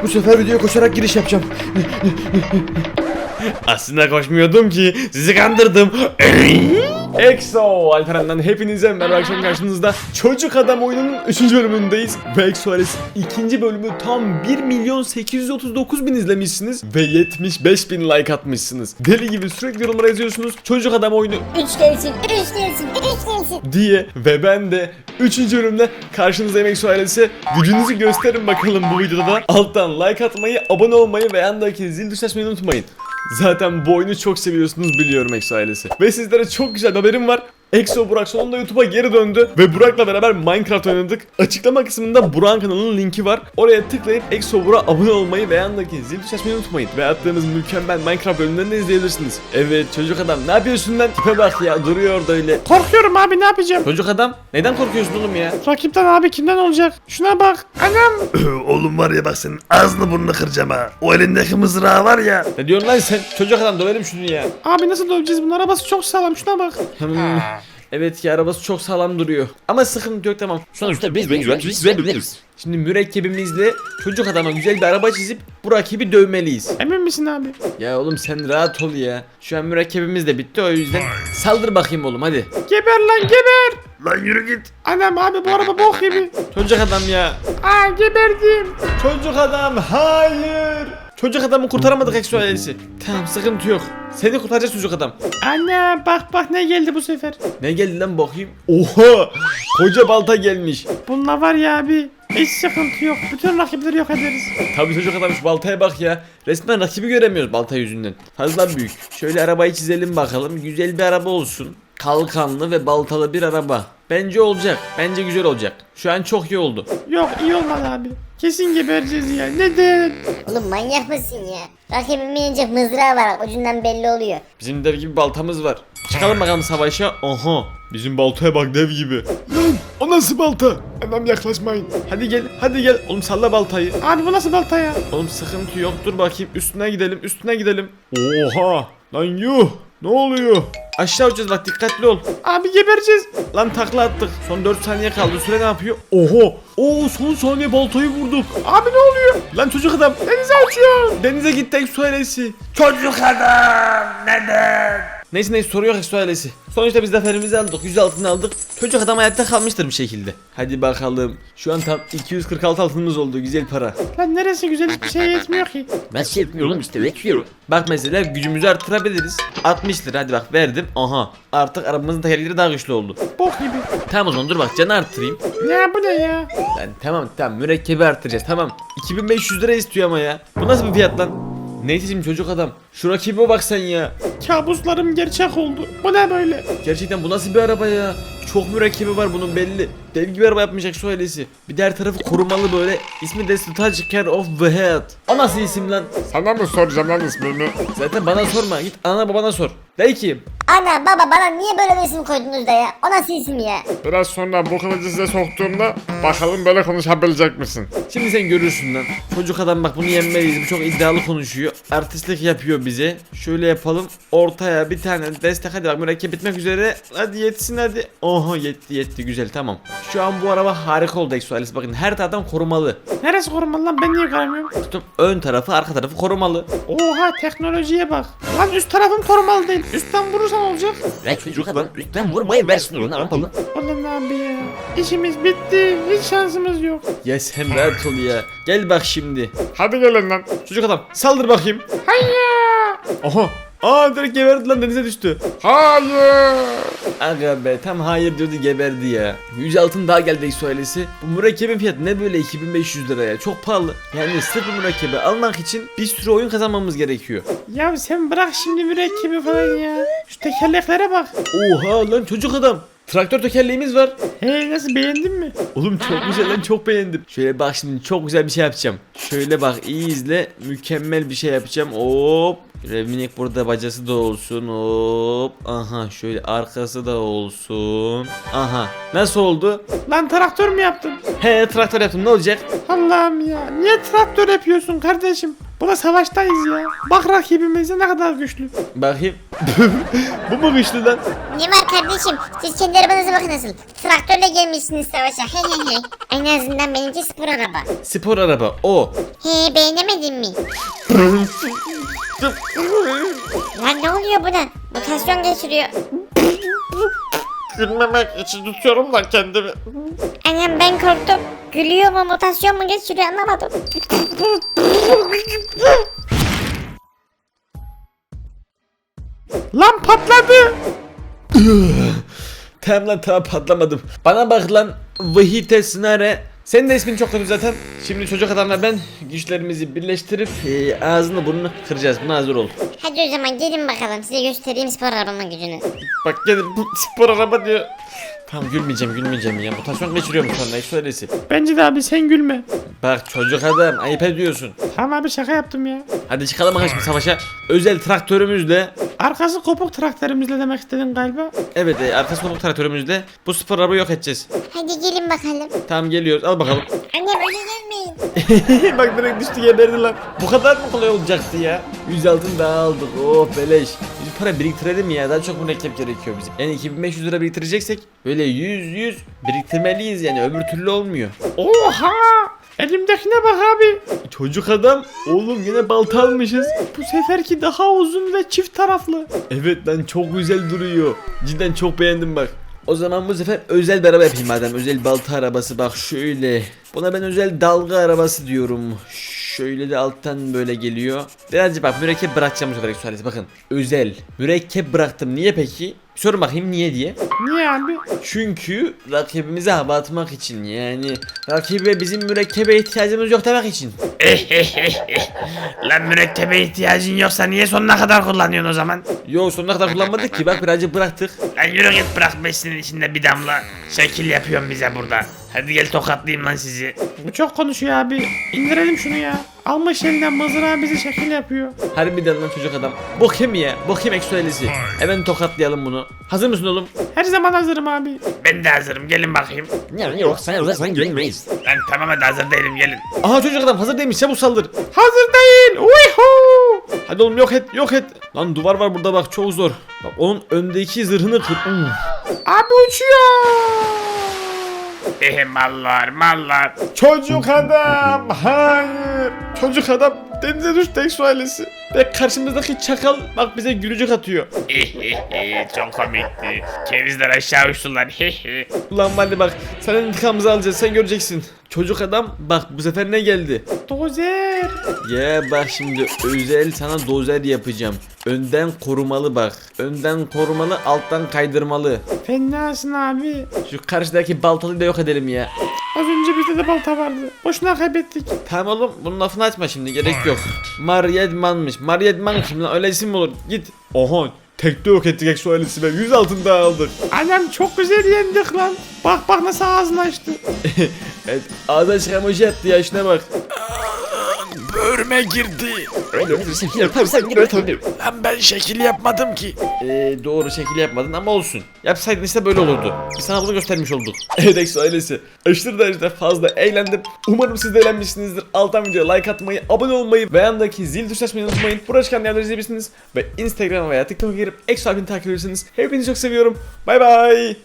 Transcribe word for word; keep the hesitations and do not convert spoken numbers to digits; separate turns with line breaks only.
Bu sefer videoya koşarak giriş yapacağım.
Aslında koşmuyordum ki, sizi kandırdım. Exo Alperen'den hepinize merhaba, akşam karşınızda Çocuk Adam oyununun üçüncü bölümündeyiz. Ve Exo ailesi ikinci bölümü tam bir milyon sekiz yüz otuz dokuz bin izlemişsiniz ve yetmiş beş bin like atmışsınız. Deli gibi sürekli yorumlara yazıyorsunuz Çocuk Adam oyunu
Üç gelsin, üç gelsin, üç gelsin
diye ve ben de üçüncü bölümde karşınızdayım Exo ailesi. Gücünüzü gösterin bakalım bu videoda. Alttan like atmayı, abone olmayı ve yandaki zil tuşuna basmayı unutmayın. Zaten bu oyunu çok seviyorsunuz biliyorum Exo ailesi. Ve sizlere çok güzel bir haberim var. Exo Burak sonunda YouTube'a geri döndü ve Burak'la beraber Minecraft oynadık. Açıklama kısmında Burak'ın kanalının linki var. Oraya tıklayıp Exo Burak'a abone olmayı ve yandaki zil tuşuna basmayı unutmayın. Ve attığımız mükemmel Minecraft bölümlerini de izleyebilirsiniz. Evet çocuk adam, ne yapıyorsun lan? Tipe bak ya, duruyor orada öyle.
Korkuyorum abi, ne yapacağım?
Çocuk adam, neden korkuyorsun oğlum ya?
Rakipten abi, kimden olacak? Şuna bak. Anam.
Oğlum var ya, bak senin ağzını burnunu kıracağım ha. O elindeki mızrağı var ya.
Ne diyorsun lan sen? Çocuk adam, dövelim şunu ya.
Abi nasıl döveceğiz bunu? Arabası çok sağlam, şuna bak.
Hmm. Evet ki arabası çok sağlam duruyor. Ama sıkıntı yok, tamam.
Sonuçta biz benziyoruz.
Şimdi mürekkebimizle çocuk adama güzel bir araba çizip bu rakibi dövmeliyiz.
Emin misin abi?
Ya oğlum sen rahat ol ya. Şu an mürekkebimiz de bitti, o yüzden saldır bakayım oğlum hadi.
Geber lan, geber.
Lan yürü git.
Anam abi, bu araba bok gibi.
Çocuk adam ya.
Aa, geberdim.
Çocuk adam, hayır. Çocuk adamı kurtaramadık Exo ailesi. Tamam, sıkıntı yok. Seni kurtaracağız çocuk adam.
Anne bak bak, ne geldi bu sefer.
Ne geldi lan bakayım? Oha! Koca balta gelmiş.
Bununla var ya abi, hiç sıkıntı yok. Bütün rakipleri yok ederiz.
Tabii çocuk adam, şu baltaya bak ya. Resmen rakibi göremiyoruz balta yüzünden. Fazla büyük. Şöyle arabayı çizelim bakalım. Güzel bir araba olsun. Kalkanlı ve baltalı bir araba. Bence olacak. Bence güzel olacak. Şu an çok iyi oldu.
Yok, iyi olmadı abi. Kesin gebereceğiz ya. Neden?
Oğlum manyak mısın ya? Rakibimin yenecek mızrağı var, ucundan belli oluyor.
Bizim dev gibi baltamız var. Çıkalım bakalım savaşa. Aha. Bizim baltaya bak, dev gibi. Lan o nasıl balta? Anam yaklaşmayın. Hadi gel, hadi gel. Oğlum salla baltayı.
Abi bu nasıl balta ya?
Oğlum sıkıntı yok, dur bakayım. Üstüne gidelim, üstüne gidelim. Oha. Lan yuh. Ne oluyor? Aşağı uçacağız bak, dikkatli ol.
Abi gebereceğiz.
Lan takla attık. Son dört saniye kaldı. Süre ne yapıyor? Oho. Oo, son saniye baltayı vurduk.
Abi ne oluyor?
Lan çocuk adam.
Denize uçuyor.
Denize gittik, su ailesi.
Çocuk adam neden?
Neyse neyse, soru yok su ailesi. Sonuçta biz zaferimizi aldık. yüz altını aldık. Çocuk adam hayatta kalmıştır bir şekilde. Hadi bakalım. Şu an tam iki yüz kırk altı altınımız oldu. Güzel para.
Lan neresi güzel, hiçbir şey yetmiyor ki.
Ben şey yapmıyorum işte, bekliyorum.
Bak mesela gücümüzü artırabiliriz. altmış lira, hadi bak verdim. Aha. Artık arabamızın tekerleri daha güçlü oldu.
Bok gibi.
Tamam o zaman, dur bak, canı arttırayım.
Ya bu ne ya?
Lan tamam tamam, mürekkebi arttıracağız, tamam. iki bin beş yüz lira istiyor ama ya. Bu nasıl bir fiyat lan? Neyse şimdi çocuk adam. Şu rakibe bak sen ya.
Kabuslarım gerçek oldu. Bu ne böyle?
Gerçekten bu nasıl bir araba ya? Çok mürekkebi var bunun belli. Dev gibi araba yapmayacak su ailesi. Bir de her tarafı korumalı böyle. İsmi de Touch Care of the Head. O nasıl isim lan?
Sana mı soracağım lan ismini?
Zaten bana sorma. Git ana babana sor. De ki.
Ana baba, bana niye böyle bir isim koydunuz da ya? O nasıl isim ya?
Biraz sonra bu kılıcı size soktuğumda bakalım böyle konuşabilecek misin?
Şimdi sen görürsün lan. Çocuk adam bak, bunu yenmeliyiz. Bu çok iddialı konuşuyor. Artistlik yapıyor bize. Şöyle yapalım. Ortaya bir tane destek. Hadi bak, mürekkep bitmek üzere. Hadi yetsin hadi. Oha, yetti yetti, güzel, tamam. Şu an bu araba harika oldu Exo ailesi. Bakın her taraftan korumalı.
Neresi korumalı lan, ben niye göremiyorum?
Tutun, ön tarafı arka tarafı korumalı.
Oha, teknolojiye bak. Lan üst tarafım korumalı değil. Üstten vurursan olacak.
Ben çocuk adam üstten vurmayı versin onu, anladın?
Oğlum abi ya. İşimiz bitti. Hiç şansımız yok.
Ya sen rahat ol ya. Gel bak şimdi.
Hadi gelin lan.
Çocuk adam saldır bakayım.
Hayya.
Aha. Aa, direkt geberdi lan, denize düştü.
Hayır.
Aga be, tam hayır diyordu, geberdi ya. yüz altın daha geldi Exo ailesi. Bu mürekkebin fiyatı ne böyle iki bin beş yüz liraya? Çok pahalı. Yani sırf bu mürekkebi almak için bir sürü oyun kazanmamız gerekiyor.
Ya sen bırak şimdi mürekkebi falan ya. Şu tekerleklere bak.
Oha lan çocuk adam. Traktör tekerleğimiz var.
Hey, nasıl, beğendin mi?
Oğlum çok güzel lan, çok beğendim. Şöyle bak, şimdi çok güzel bir şey yapacağım. Şöyle bak, iyi izle. Mükemmel bir şey yapacağım. Hop. Revminik burada bacası da olsun. Hop. Aha, şöyle arkası da olsun. Aha. Nasıl oldu?
Lan traktör mü yaptın?
He, traktör yaptım, ne olacak?
Allah'ım ya. Niye traktör yapıyorsun kardeşim? Burada savaştayız ya. Bak rakibimiz de ne kadar güçlü.
Bakayım. Bu mu güçlü lan?
Ne var kardeşim? Siz kendi arabanıza bakın nasıl. Traktörle gelmişsiniz savaşa. He he he. En azından benimki spor araba.
Spor araba o.
He beğenemedin mi? Lan ne oluyor buna? Mutasyon geçiriyor.
Gülmemek için tutuyorum da kendimi.
Annem ben korktum. Gülüyor mu mutasyon mu geçiriyor anlamadım.
Lan patladı.
Tamam lan tamam patlamadım. Bana bak lan Vahite Sınare. Senin de ismin çok kötü zaten. Şimdi çocuk adamla ben güçlerimizi birleştirip e, ağzını burnunu kıracağız. Buna hazır ol.
Hadi o zaman gelin bakalım size göstereyim spor arabanın gücünü.
Bak gelin bu spor araba diyor. Tamam gülmeyeceğim gülmeyeceğim ya. Mutasyon geçiriyorum sonra ekstralesi.
Bence de abi sen gülme.
Bak çocuk adam ayıp ediyorsun.
Tamam abi şaka yaptım ya.
Hadi çıkalım bakalım şimdi savaşa. Özel traktörümüzle.
Arkası kopuk traktörümüzle demek istedin galiba.
Evet e, arkası kopuk traktörümüzle bu spor arabayı yok edeceğiz.
Hadi gelin bakalım.
Tamam geliyoruz al bakalım.
Annem öyle gelmeyin.
Bak direkt düştü geberdi lan. Bu kadar mı kolay olacaktı ya? yüz altın daha aldık. Oh beleş. Biz para biriktirelim ya. Daha çok mürekkep gerekiyor bize. Yani iki bin beş yüz lira biriktireceksek böyle yüz yüz biriktirmeliyiz yani. Öbür türlü olmuyor.
Oha! Elimdekine bak abi.
Çocuk adam. Oğlum yine balta almışız.
Bu seferki daha uzun ve çift taraflı.
Evet lan çok güzel duruyor. Cidden çok beğendim bak. O zaman bu sefer özel bir araba yapayım madem. Özel balta arabası bak şöyle. Buna ben özel dalga arabası diyorum. Şöyle de alttan böyle geliyor. Birazcık bak mürekkep bırakacağım bu sefer eksualesi bakın. Özel. Mürekkep bıraktım. Niye peki? Sorun bakayım niye diye.
Niye abi?
Çünkü rakibimize hava atmak için yani rakibe bizim mürekkebe ihtiyacımız yok demek için.
Lan mürekkebe ihtiyacın yoksa niye sonuna kadar kullanıyorsun o zaman?
Yo sonuna kadar kullanmadık ki bak birazcık bıraktık.
Lan yürü git bırak besinin içinde bir damla. Şekil yapıyorsun bize burada. Hadi gel tokatlayayım lan sizi.
Bu çok konuşuyor abi. İndirelim şunu ya. Almış elinden mızrağı bizi şekil yapıyor.
Harbiden lan çocuk adam. Bakayım ya bakayım eksualesi. Hemen tokatlayalım bunu. Hazır mısın oğlum?
Her zaman hazırım abi.
Ben de hazırım gelin bakayım.
Yani yok sen uzaksan güvenmeyiz.
Lan tamam hadi hazır değilim gelin.
Aha çocuk adam hazır değilmiş çabuk saldır.
Hazır değil. Uyhu.
Hadi oğlum yok et yok et. Lan duvar var burada bak çok zor. Bak onun öndeki zırhını kır. Uf.
Abi uçuyor.
Ehe mallar mallar.
Çocuk adam hayır. Çocuk adam denize düştü eksualesi. Ve karşımızdaki çakal bak bize gülücük atıyor.
Çok komikti. Kevizler aşağı uçtular.
Ulan hadi bak senin intikamımızı alacağız sen göreceksin. Çocuk adam bak bu sefer ne geldi?
Dozer.
Ya bak şimdi özel sana dozer yapacağım. Önden korumalı bak. Önden korumalı alttan kaydırmalı.
Fenasın abi.
Şu karşıdaki baltalıyı da yok edelim ya.
Az önce bizde de balta vardı. Boşuna kaybettik.
Tamam oğlum bunun lafını açma şimdi gerek yok. Maryedman'mış. Maryedman kim lan öyle isim mi olur? Git. Oha tekte yok ettik eksualesi ve yüz altın daha aldık.
Annem çok güzel yendik lan. Bak bak nasıl ağzını açtı.
Evet ağzına çıkan emoji yaptı ya şuna bak.
Böğrüme girdi.
Öyle bir şey yok tabii sen öyle tabii.
Lan ben şekil yapmadım ki.
Ee, doğru şekil yapmadın ama olsun. Yapsaydın işte böyle olurdu. Biz sana bunu göstermiş olduk. Evet Exo ailesi. Aşırı derecede fazla eğlendim. Umarım siz de eğlenmişsinizdir. Alttan videoya like atmayı, abone olmayı ve yandaki zil tuşuna basmayı unutmayın. Burada çıkan yerleri izleyebilirsiniz. Ve Instagram veya TikTok'a girip Exo abini takip edebilirsiniz. Hepinizi çok seviyorum. Bay bay.